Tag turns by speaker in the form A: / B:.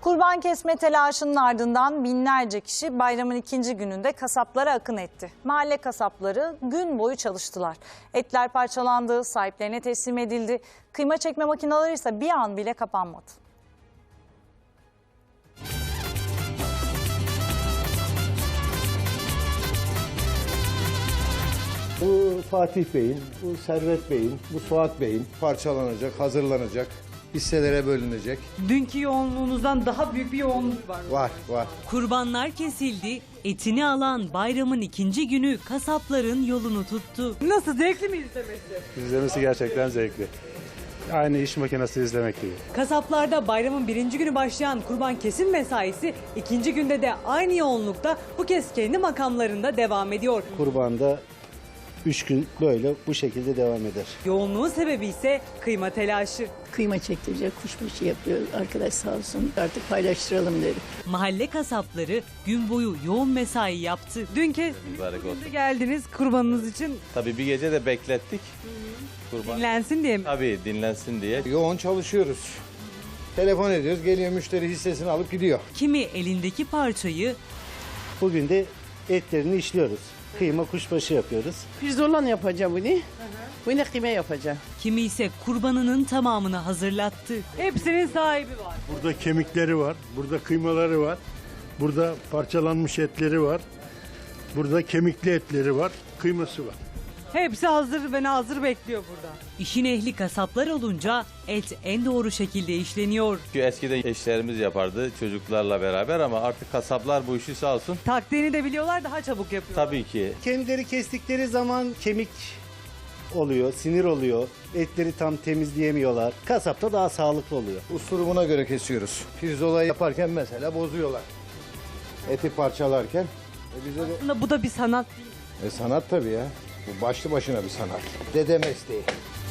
A: Kurban kesme telaşının ardından binlerce kişi bayramın ikinci gününde kasaplara akın etti. Mahalle kasapları gün boyu çalıştılar. Etler parçalandı, sahiplerine teslim edildi. Kıyma çekme makineleri ise bir an bile kapanmadı.
B: Bu Fatih Bey'in, bu Servet Bey'in, bu Suat Bey'in parçalanacak, hazırlanacak, hisselere bölünecek.
C: Dünkü yoğunluğunuzdan daha büyük bir yoğunluk var.
B: Var.
D: Kurbanlar kesildi, etini alan bayramın ikinci günü kasapların yolunu tuttu.
C: Nasıl, zevkli mi izlemesi?
E: İzlemesi gerçekten zevkli. Aynı iş makinesi izlemek gibi.
C: Kasaplarda bayramın birinci günü başlayan kurban kesim mesaisi ikinci günde de aynı yoğunlukta bu kez kendi makamlarında devam ediyor.
B: Kurbanda 3 gün böyle bu şekilde devam eder.
C: Yoğunluğun sebebi ise kıyma telaşı.
F: Kıyma çektirecek, kuşbaşı yapıyor arkadaş sağ olsun. Artık paylaştıralım dedi.
D: Mahalle kasapları gün boyu yoğun mesai yaptı.
C: Dün kez geldiniz kurbanınız için,
G: Tabii bir gece de beklettik. Kurban.
C: dinlensin diye mi?
G: Tabii dinlensin diye.
B: Yoğun çalışıyoruz. Telefon ediyoruz, geliyor müşteri hissesini alıp gidiyor.
D: Kimi elindeki parçayı,
B: Bugün de etlerini işliyoruz. Kıyma kuşbaşı yapıyoruz.
H: Pirzolan yapacağım bunu. Bunu kıyma yapacağım.
D: kimi ise kurbanının tamamını hazırlattı.
C: Hepsinin sahibi var.
E: Burada kemikleri var, burada kıymaları var, burada parçalanmış etleri var, burada kemikli etleri var, kıyması var.
C: Hepsi hazır ve hazır bekliyor burada.
D: İşin ehli kasaplar olunca et en doğru şekilde işleniyor.
G: Çünkü eskiden eşlerimiz yapardı çocuklarla beraber ama artık kasaplar bu işi sağ olsun.
C: Taktiğini de biliyorlar, daha çabuk yapıyorlar.
G: Tabii ki
B: Kendileri kestikleri zaman kemik oluyor, sinir oluyor. Etleri tam temizleyemiyorlar. Kasapta daha sağlıklı oluyor. Usurumuna göre kesiyoruz. Pirzola yaparken mesela bozuyorlar. Eti parçalarken. Bize de...
C: Aslında bu da bir sanat.
B: Sanat tabii ya. Bu başlı başına bir sanat. Dede mesleği.